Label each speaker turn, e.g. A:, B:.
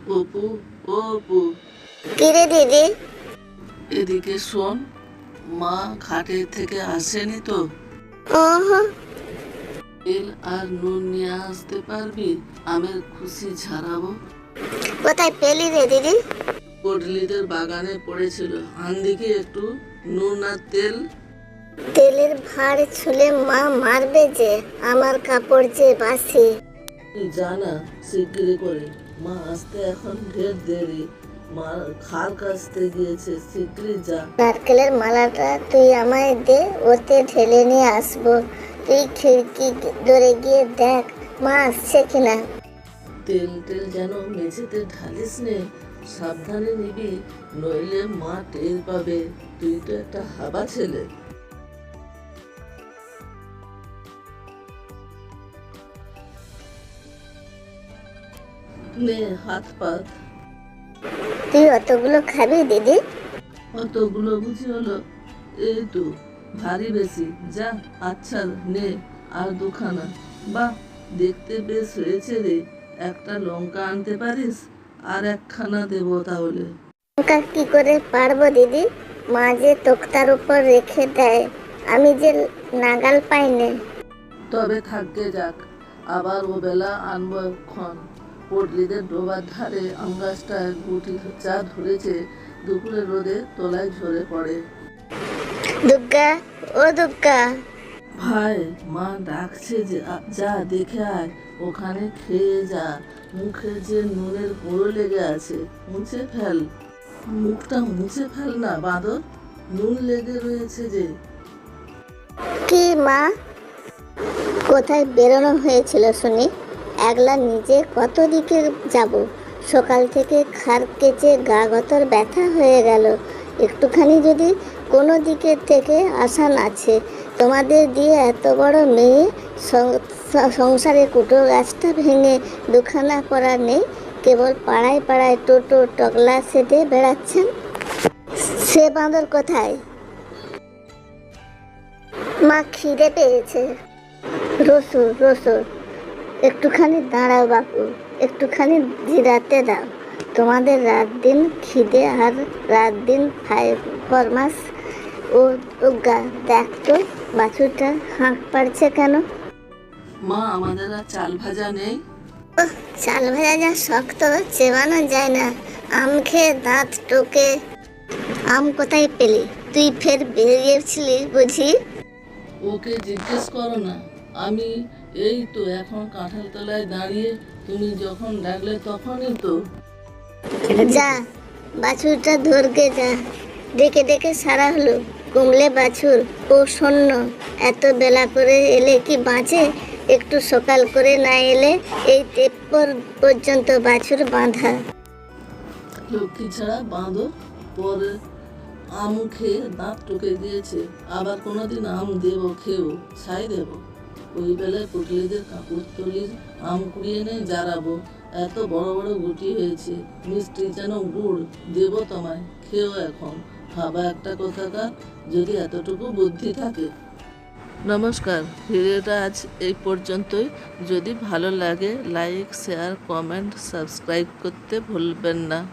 A: অপু, ও অপু,
B: কিরে দিদি?
A: এদিকে শোন। মা ঘাটের থেকে আসেনি তো?
B: ওহো,
A: তেল আর নুন নিয়ে আসতে পারবি? আমের খুশি ছাড়াবো।
B: কোথায় পেলি রে দিদি?
A: পটলিদের বাগানে পড়েছিল, আনদি কি একটু নুন আর তেল?
B: তেলের ভাঁড় ছুলে মা মারবে যে, আমার কাপড় যে বাসি।
A: তুই জানা শিগগিরি করে, মা আসতে এখন ঢের দেরি। মা খাল কাছতে গিয়েছে, শিগগিরি যা।
B: নারকেলের মালাটা তুই আমায় দে, ওতে ঢেলে নিয়ে আসবো। তুই খিড়কি ধরে গিয়ে দেখ মা আসছে কিনা।
A: তেল টেল যেন মেঝেতে ঢালিস নে, সাবধানে নিবি, নইলে মা টের পাবে। তুই তো একটা হাবা ছেলে। নে হাত পাত।
B: তুই অতগুলো খাবি দিদি?
A: অতগুলো বুঝি হলো? এই তো, ভারী বেশি। যা, আচ্ছা নে আর দুখানা। বাহ, দেখতে বেশ হয়েছে রে। একটা লঙ্কা আনতে পারিস? আর একখানা দেবো তাহলে।
B: লঙ্কা কি করে পারবো দিদি? মা যে তোক্তার উপর রেখে দেয়, আমি যে নাগাল পাই নে।
A: তবে থাকতে যাক, আবার ও বেলা আনবো ক্ষণ। পটলিদের ডোবার ধারে আম গাছটায় গুটি চা ধরেছে, দুপুরে রোদে তলায় ঝরে পড়ে।
B: দুর্গা, ও দুর্গা।
A: ভাই, মা ডাকছে যে, যা দেখে আয়, ওখানে খেয়ে যা। মুখে যে নুনের গুঁড়ো লেগে আছে, মুছে ফেল। মুখটা মুছে ফেল না বাঁদর, নুন লেগে রয়েছে যে।
B: কি মা? কোথায় বেরোনো হয়েছিল শুনি? একলা নিজে কত দিকে যাব? সকাল থেকে খার কেচে গা গতর ব্যথা হয়ে গেল। একটুখানি যদি কোনো দিকে থেকে আসান আছে, তোমাদের দিয়ে এত বড় মেয়ে, সংসারে কুটো গাছটা ভেঙে দুখানা করা নেই, কেবল পাড়ায় পাড়ায় টোটো টগলা সেটে বেড়াচ্ছেন। সে বাঁদর কোথায়? মা খিদে পেয়েছে। রসুন রসুন, একটুখানি দাঁড়াও বাপু, একটুখানি জিরাতে দাও। তোমাদের রাত দিন খিদে আর রাত দিন ফরমাস। ও গা, দেখ তো বাছুরটা হাঁক পাড়ছে কেন?
A: মা, আমাদের আর চাল ভাজা নেই?
B: ওহ, চাল ভাজা যা শক্ত, চেবানো যায় না। আম খেয়ে দাঁত টোকে। আম কোথায় পেলি? তুই ফের বেরিয়েছিলি বুঝি?
A: ওকে জিজ্ঞেস করো না। আমি এই তো এখন কাঁঠাল তলায় দাঁড়িয়ে, তুমি যখন ডাকলে তখনই তো।
B: যা, বাছুরটা ধরকে যা। ডেকে ডেকে সারা হলো, কুমলে বাছুর ও শূন্য। এত বেলা করে এলে কি বাঁচে? একটু সকাল করে না এলে এই তেপ্পর পর্যন্ত বাছুর বাঁধা।
A: লক্ষ্মী ছাড়া বাঁদর, পরে আম খেয়ে দাঁত টুকে দিয়েছে। আবার কোনোদিন আম দেবো, খেয়েও ছাই দেবো। ওই বেলায় পুটলিদের কাপড় তলির আম কুড়িয়ে এনে জারাবো। এত বড় বড় গুটি হয়েছে, মিষ্টি যেন গুড়। দেবো তোমায়, খেয়েও এখন। ভাবা একটা কথাকার, যদি এতটুকু বুদ্ধি থাকে। নমস্কার, ভিডিওটা আজ এই পর্যন্তই। যদি ভালো লাগে লাইক, শেয়ার, কমেন্ট, সাবস্ক্রাইব করতে ভুলবেন না।